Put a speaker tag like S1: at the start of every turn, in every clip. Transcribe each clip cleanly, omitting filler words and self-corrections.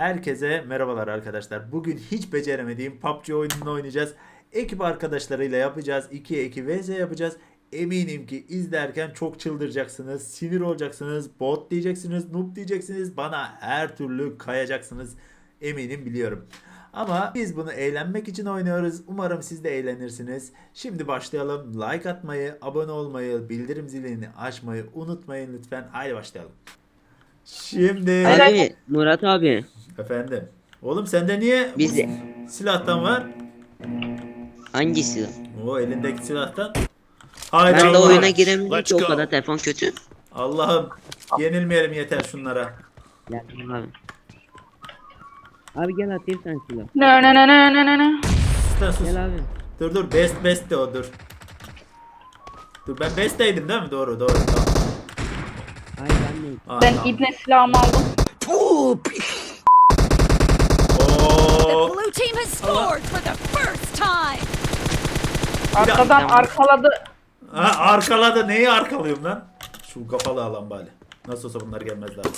S1: Herkese merhabalar arkadaşlar. Bugün hiç beceremediğim PUBG oyununu oynayacağız. Ekip arkadaşlarıyla yapacağız. 2'ye 2 vs yapacağız. Eminim ki izlerken çok çıldıracaksınız. Sinir olacaksınız. Bot diyeceksiniz. Noob diyeceksiniz. Bana her türlü kayacaksınız. Eminim biliyorum. Ama biz bunu eğlenmek için oynuyoruz. Umarım siz de eğlenirsiniz. Şimdi başlayalım. Like atmayı, abone olmayı, bildirim zilini açmayı unutmayın lütfen. Haydi başlayalım. Şimdi
S2: Abi Murat abi
S1: efendim. Oğlum sende niye bu
S2: biz
S1: silahtan var?
S2: hangisi?
S1: O elindeki silahtan. Haydi
S2: Ben de
S1: Allah.
S2: oyuna giremedim
S3: Let's
S2: ki o
S3: go.
S2: kadar telefon kötü.
S1: Allah'ım yenilmeyelim yeter şunlara.
S2: Gel abi. Abi gel atayım sen silah.
S4: No no no no no no no.
S1: Sus, sus.
S2: Gel abi.
S1: Dur best de o dur. Dur ben besteydim değil mi? Doğru tamam.
S2: Hayır ben neyim?
S1: Aa,
S4: Ben
S1: tamam.
S4: ibne silahımı aldım.
S1: Oo.
S5: Blue team has scored for the first time.
S4: Arkadan
S2: Tamam.
S4: arkaladı.
S1: Ha, arkaladı. Neyi arkalıyorum lan? Şu kafalı alan bari. Nasıl olsa bunlar gelmez daha.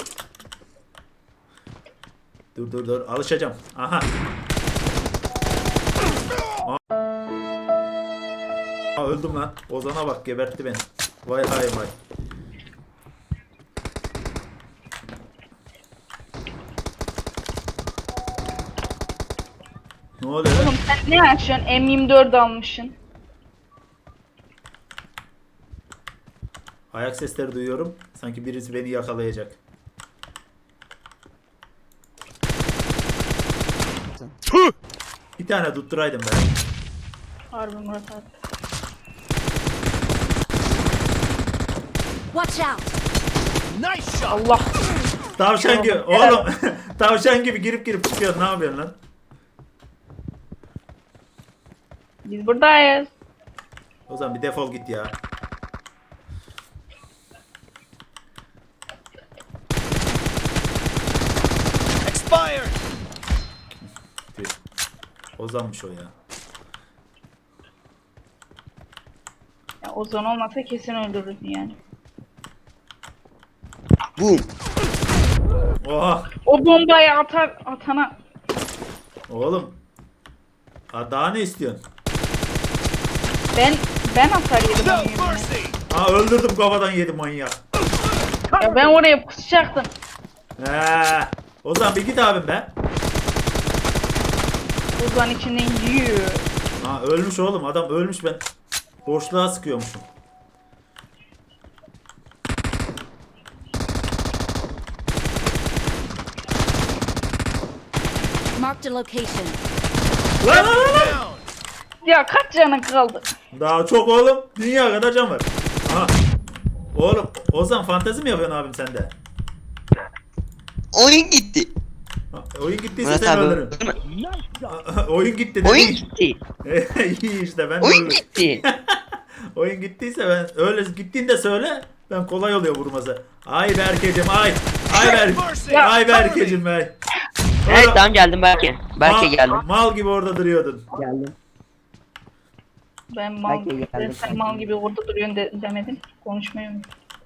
S1: Dur alışacağım. Aha. Aa, öldüm lan. Ozan'a bak gebertti beni. Vay hay vay. Ne oluyor lan?
S4: Oğlum sen ne yaşıyorsun? M24 almışsın.
S1: Ayak sesleri duyuyorum. Sanki birisi beni yakalayacak.
S3: Tüh!
S1: Bir tane tutturaydım ben.
S4: Harbi Murat abi.
S5: Watch out.
S3: Nice shot!
S4: Allah.
S1: Tavşan gibi. Oğlum tavşan gibi girip çıkıyor. Ne yapıyorsun lan?
S4: Biz buradayız.
S1: O zaman bir defol git ya.
S3: Expired!
S1: Tüh. Ozanmış o ya.
S4: Ya Ozan olmasa kesin öldürürdün yani.
S2: Boom.
S1: Oha.
S4: O bombayı atana.
S1: Oğlum. Ha, daha ne istiyorsun?
S4: Ben atar yedim
S3: No
S4: onu yeminle.
S3: mercy!
S1: Ha öldürdüm kafadan yedim manyak.
S4: Ya ben oraya pusacaktım.
S1: He. Ozan bir git abim be.
S4: Ozan içinden yiyor.
S1: Ha ölmüş oğlum adam ölmüş ben. Boşluğa sıkıyormuşum.
S5: Marked a location.
S1: Lan!
S3: Down!
S4: Ya kaç canın kaldı?
S1: Daha çok oğlum. Dünya kadar can var. Aha. Oğlum Ozan fantezi mi yapıyorsun abim sen de?
S2: Oyun gitti.
S1: Ha, oyun gittiyse
S2: Murat
S1: sen
S2: abi
S1: ölürüm.
S2: öldü mü?
S1: Oyun gitti dedi.
S2: Oyun gitti.
S1: İyi işte ben de
S2: Oyun
S1: öldüm.
S2: gitti.
S1: Oyun gittiyse ben öyle gittiğinde söyle. Ben kolay oluyor vurması. Ay Berkecim ay. Ay
S3: Mercy!
S1: Ay Berkecim ay.
S2: Evet tamam geldim Berke. Berke geldim.
S1: Mal gibi orada duruyordun.
S2: Geldim.
S4: Ben mal
S2: Belki
S4: gibi,
S2: geldim.
S4: sen mal gibi orada duruyorsun demedin. Konuşmayı unut.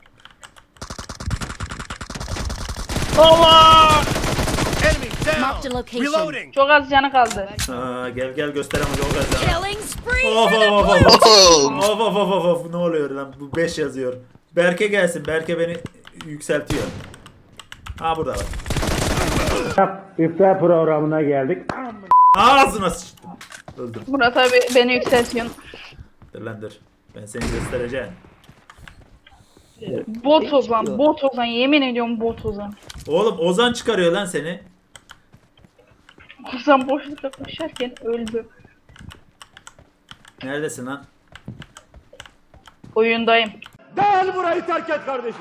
S3: Allah! Enemy
S5: Marked a
S3: down!
S5: location.
S3: Reloading!
S4: Çok az canı kaldı.
S1: Aa, gel gösteremem o kadar.
S5: Killing spree
S1: Of
S5: for the
S1: of
S5: blue
S1: of
S5: team.
S1: of ne oluyor lan bu 5 yazıyor. Berke gelsin. Berke beni yükseltiyor. Ha burada bak.
S6: İftar programına geldik.
S1: Ağzına sıçtım. Öldüm.
S4: Murat abi beni yükseltiyorsun.
S1: Dur lan dur. Ben seni göstereceğim.
S4: Bot Ozan, bot Ozan. Yemin ediyorum bot Ozan.
S1: Oğlum Ozan çıkarıyor lan seni.
S4: Ozan boşlukta koşarken öldü.
S1: Neredesin lan?
S4: Oyundayım.
S6: Gel burayı terk et kardeşim.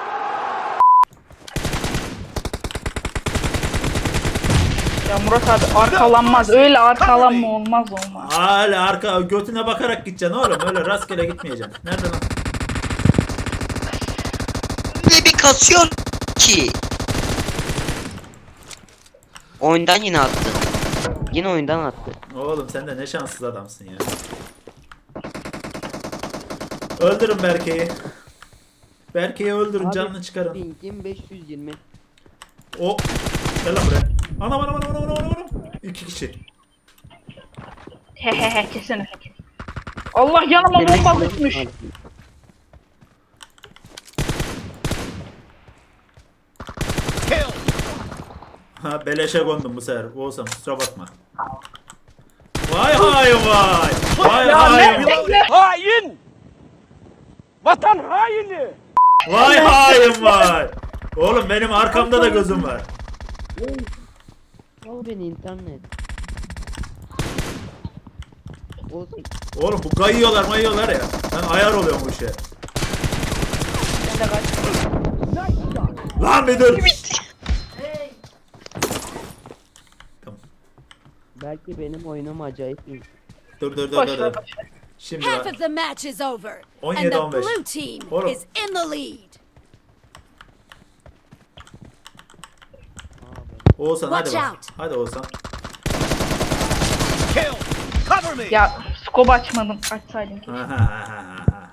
S4: Ya Murat abi arkalanmaz. Öyle arkalanma olmaz.
S1: Hala arka götüne bakarak gideceksin oğlum. Öyle rastgele gitmeyeceksin. Nerede lan?
S2: Ne bir kasıyor ki. Oyundan yine attı. Yine oyundan attı.
S1: Oğlum sen de ne şanssız adamsın ya. Öldürün Berke'yi. Berke'yi öldürün
S2: Abi,
S1: canını çıkarın.
S2: Ping'im 520.
S1: O. Gel lan buraya. Anam. 2 kişi.
S4: Hehehe kesin. Allah yanıma bomba düşmüş.
S3: Kill.
S1: Ha beleşe kondum bu sefer. Oğuzhan kusura bakma. Vay hay vay. Vay
S4: Ya
S1: hay
S4: ne
S1: vay.
S4: bekle.
S6: Hain! Vatan haini!
S1: Vay hay vay. Oğlum benim arkamda da gözüm var.
S2: Al beni internet. Olsun.
S1: Oğlum bu kayıyorlar ya. Ben ayar oluyorum bu işe. Lan bir dur. Tamam.
S2: Belki benim oyunum acayip iyi.
S1: Dur.
S4: Boş ver boş ver.
S1: Şimdi
S5: Half
S1: bak.
S5: of the match is over, and
S1: 17-15.
S5: the blue team
S1: Oğlum.
S5: is in the lead.
S1: Oğuzhan hadi
S5: Watch
S1: bak.
S5: out.
S1: Hadi Oğuzhan.
S3: Kill. Cover me.
S4: Ya scope açmadım. Açsaydım ki.
S1: Ha.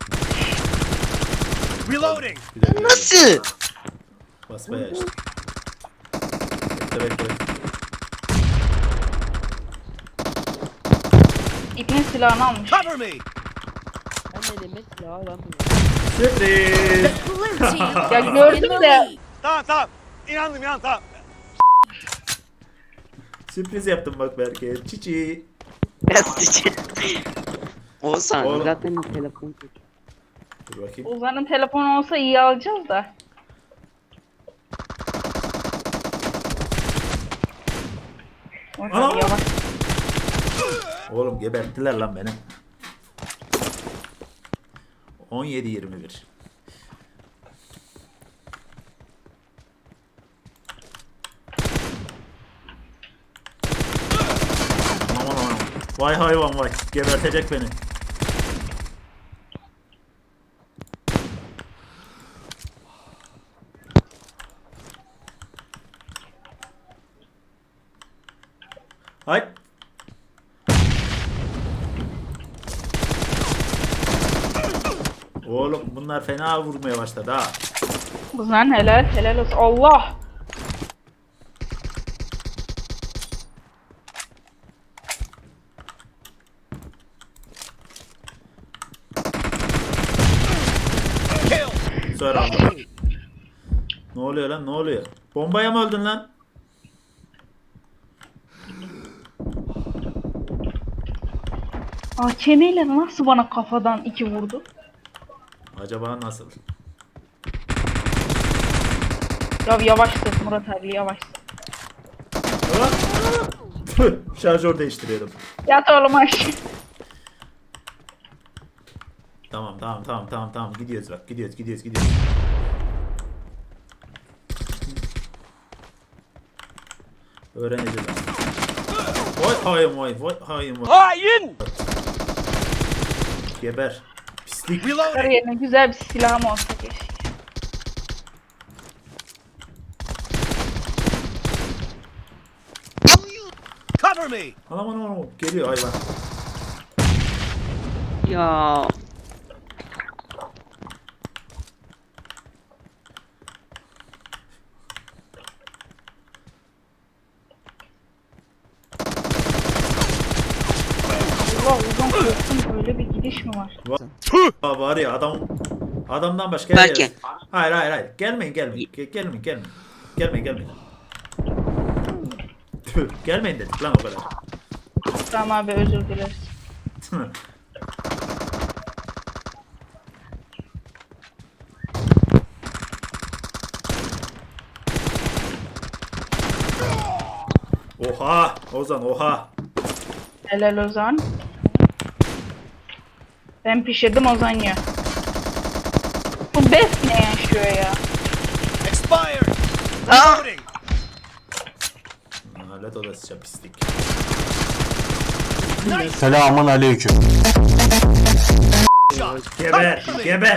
S3: Reloading.
S2: Nasıl?
S1: Basmaya işte. Bekle.
S4: İpnin silahını almış.
S3: Cover me.
S2: Ben elime silah alamıyorum.
S1: Sürpriz.
S5: The blue team
S4: Ya
S5: is in
S4: gördüm
S5: the
S4: de.
S5: lead.
S6: Tamam. İnandım tamam.
S1: Sürpriz yaptım bak Berke. Çiçi.
S2: Oğuzhan
S1: Oğlum.
S2: zaten telefon kötü.
S1: Dur bakayım.
S4: Ozan'ın telefonu olsa iyi alacağız da.
S1: Ana!
S4: Yavaş.
S1: Oğlum geberttiler lan beni. 17-21. Aman. Vay hayvan vay. Gebertecek beni. Hay. Oğlum bunlar fena vurmaya başladı ha.
S4: Ozan helal olsun. Allah.
S3: Kill.
S1: Sonra aldım. Ne oluyor lan ne oluyor? Bombaya mı öldün lan?
S4: AKM'yle nasıl bana kafadan 2 vurdu?
S1: Acaba nasıl?
S4: Ya yavaşsın Murat abi yavaşsın.
S1: Ulan! Tüh, şarjör değiştiriyordum.
S4: Yat oğlum aşağı.
S1: Tamam. Gidiyoruz bak. Gidiyoruz. Öğreneceğiz. Vay hayım.
S6: Hain!
S1: Geber. Pislik.
S3: Reloading.
S4: Kariyerine güzel bir silahım olsa keşke.
S3: Cover me.
S1: Anam. Geliyor hayvan.
S2: Ya.
S4: Allah uzun korktum böyle bir gidiş mi var?
S1: Aa, var ya adamdan başka
S2: Belki.
S1: yer. Hayır. Gelmeyin. Gelmeyin. Tüh, gelmeyin dedik lan o kadar.
S4: Tamam abi özür dileriz.
S1: Oha Ozan oha.
S4: Helal Ozan. Ben pişirdim Ozan ya. Bu best ne yaşıyor ya?
S3: Expired.
S2: Ah!
S3: Reloading.
S1: Lanet odasıca pislik.
S7: Selamun aleyküm.
S3: Shot.
S1: Geber.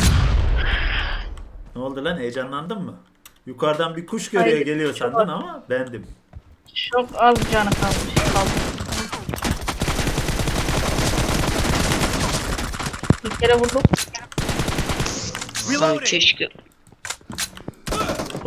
S1: Ne oldu lan heyecanlandın mı? Yukarıdan bir kuş görüyor
S4: Hayır,
S1: geliyor
S4: çok
S1: sandın
S4: az.
S1: ama bendim.
S4: Çok az canı kalmış. Bir kere vurduk.
S2: Lan
S3: Reloading.
S2: keşke.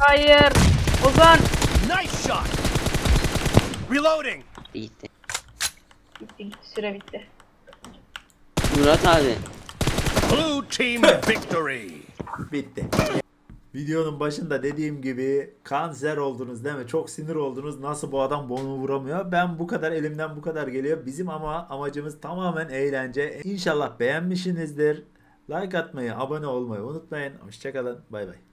S4: Hayır. Ozan.
S3: Nice shot. Reloading.
S2: Gitti.
S4: Bitti gitti süre bitti.
S2: Murat abi.
S3: Blue team victory.
S1: Bitti. Videonun başında dediğim gibi kanser oldunuz değil mi? Çok sinir oldunuz. Nasıl bu adam bunu vuramıyor? Ben bu kadar elimden bu kadar geliyor. Bizim ama amacımız tamamen eğlence. İnşallah beğenmişsinizdir. Like atmayı, abone olmayı unutmayın. Hoşçakalın. Bay bay.